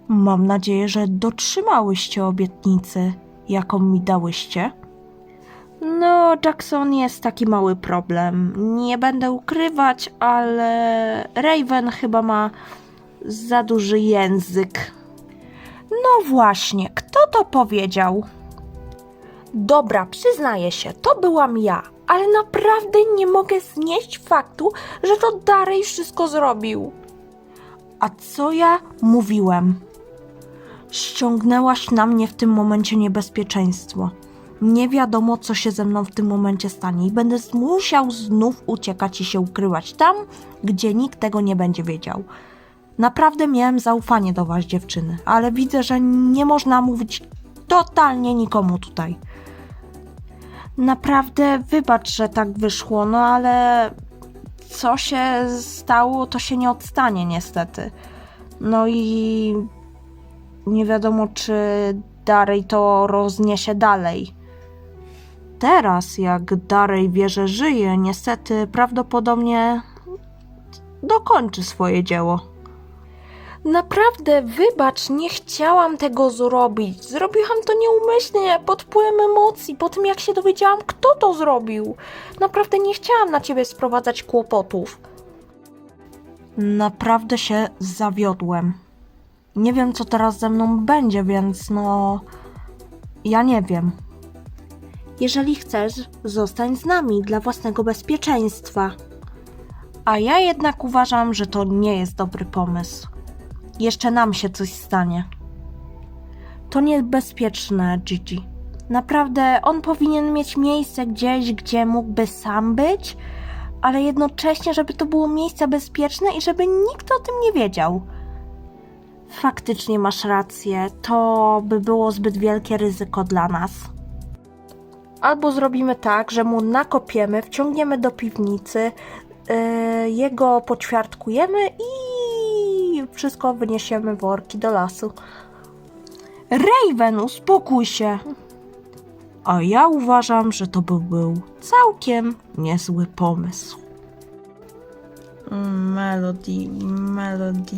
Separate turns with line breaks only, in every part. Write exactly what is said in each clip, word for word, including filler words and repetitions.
Mam nadzieję, że dotrzymałyście obietnicy, jaką mi dałyście. No, Jackson, jest taki mały problem. Nie będę ukrywać, ale Raven chyba ma za duży język. No właśnie, kto to powiedział? Dobra, przyznaję się, to byłam ja, ale naprawdę nie mogę znieść faktu, że to Darej wszystko zrobił. A co ja mówiłem? Ściągnęłaś na mnie w tym momencie niebezpieczeństwo. Nie wiadomo, co się ze mną w tym momencie stanie i będę musiał znów uciekać i się ukrywać tam, gdzie nikt tego nie będzie wiedział. Naprawdę miałem zaufanie do was, dziewczyny, ale widzę, że nie można mówić totalnie nikomu tutaj. Naprawdę wybacz, że tak wyszło, no ale co się stało, to się nie odstanie niestety. No i nie wiadomo, czy Darej to rozniesie dalej. Teraz, jak Darej wie, że żyje, niestety prawdopodobnie dokończy swoje dzieło. Naprawdę, wybacz, nie chciałam tego zrobić. Zrobiłam to nieumyślnie, pod wpływem emocji, po tym jak się dowiedziałam, kto to zrobił. Naprawdę nie chciałam na ciebie sprowadzać kłopotów. Naprawdę się zawiodłem. Nie wiem, co teraz ze mną będzie, więc no... ja nie wiem. Jeżeli chcesz, zostań z nami dla własnego bezpieczeństwa. A ja jednak uważam, że to nie jest dobry pomysł. Jeszcze nam się coś stanie. To niebezpieczne, Gigi. Naprawdę, on powinien mieć miejsce gdzieś, gdzie mógłby sam być, ale jednocześnie, żeby to było miejsce bezpieczne i żeby nikt o tym nie wiedział. Faktycznie masz rację, to by było zbyt wielkie ryzyko dla nas. Albo zrobimy tak, że mu nakopiemy, wciągniemy do piwnicy, yy, jego poćwiartkujemy i wszystko wyniesiemy worki do lasu. Raven, uspokój się! A ja uważam, że to by był całkiem niezły pomysł. Melody, Melody.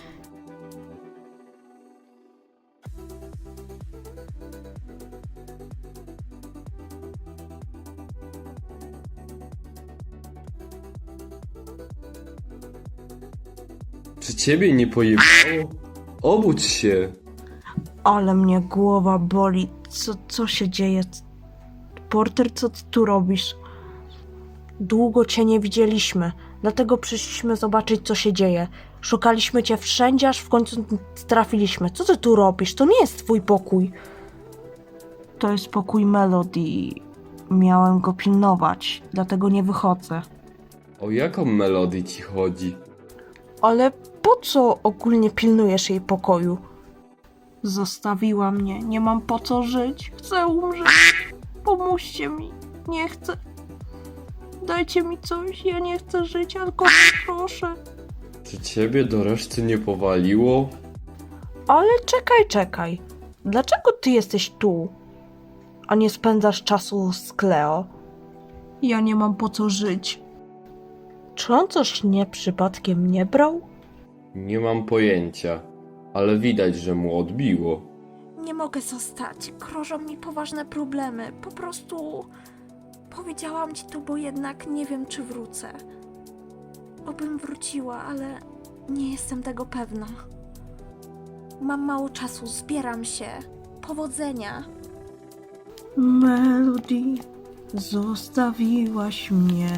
Czy ciebie nie pojebało? Obudź się!
Ale mnie głowa boli. Co, co się dzieje? Porter, co ty tu robisz? Długo cię nie widzieliśmy, dlatego przyszliśmy zobaczyć, co się dzieje. Szukaliśmy cię wszędzie, aż w końcu trafiliśmy. Co ty tu robisz? To nie jest twój pokój. To jest pokój Melody. Miałem go pilnować, dlatego nie wychodzę.
O jaką melodię ci chodzi?
Ale po co ogólnie pilnujesz jej pokoju? Zostawiła mnie, nie mam po co żyć. Chcę umrzeć. Pomóżcie mi. Nie chcę. Dajcie mi coś, ja nie chcę żyć, alkohol, proszę.
Czy ciebie do reszty nie powaliło?
Ale czekaj, czekaj. Dlaczego ty jesteś tu, a nie spędzasz czasu z Cleo? Ja nie mam po co żyć. Czy on coś nie przypadkiem nie brał?
Nie mam pojęcia, ale widać, że mu odbiło.
Nie mogę zostać. Grożą mi poważne problemy. Po prostu powiedziałam ci to, bo jednak nie wiem, czy wrócę. Obym wróciła, ale nie jestem tego pewna. Mam mało czasu, zbieram się. Powodzenia.
Melody, zostawiłaś mnie.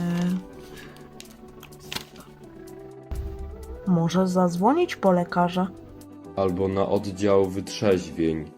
Może zadzwonić po lekarza?
Albo na oddział wytrzeźwień.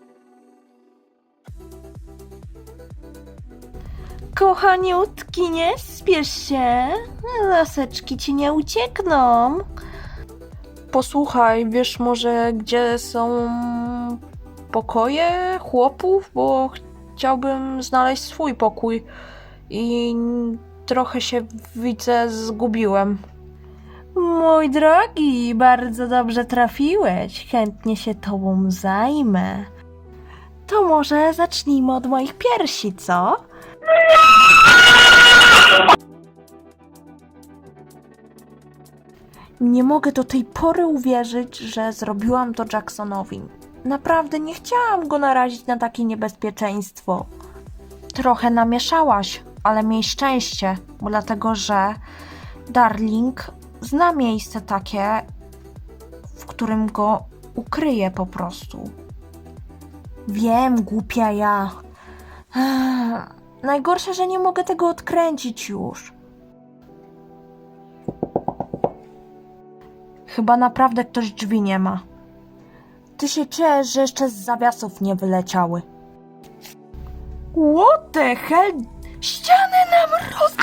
Kochaniutki, nie spiesz się. Laseczki ci nie uciekną. Posłuchaj, wiesz może, gdzie są pokoje chłopów? Bo chciałbym znaleźć swój pokój i trochę się, widzę, zgubiłem. Mój drogi, bardzo dobrze trafiłeś. Chętnie się tobą zajmę. To może zacznijmy od moich piersi, co? Nie mogę do tej pory uwierzyć, że zrobiłam to Jacksonowi. Naprawdę nie chciałam go narazić na takie niebezpieczeństwo. Trochę namieszałaś, ale miej szczęście, bo dlatego, że Darling zna miejsce takie, w którym go ukryje po prostu. Wiem, głupia ja. Ech, najgorsze, że nie mogę tego odkręcić już. Chyba naprawdę ktoś drzwi nie ma. Ty się czujesz, że jeszcze z zawiasów nie wyleciały. What the hell? Ścianę nam roz...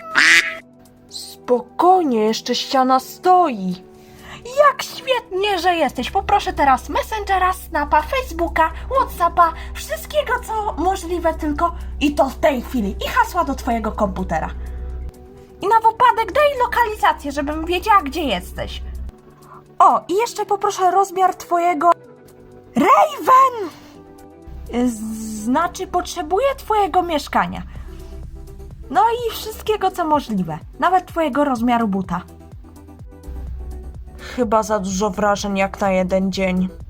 Spokojnie, jeszcze ściana stoi. Jak świetnie, że jesteś. Poproszę teraz Messengera, Snapa, Facebooka, Whatsappa, wszystkiego co możliwe tylko i to w tej chwili. I hasła do twojego komputera. I na wypadek daj lokalizację, żebym wiedziała, gdzie jesteś. O, i jeszcze poproszę rozmiar twojego... Raven! Znaczy, potrzebuję twojego mieszkania. No i wszystkiego, co możliwe. Nawet twojego rozmiaru buta. Chyba za dużo wrażeń jak na jeden dzień.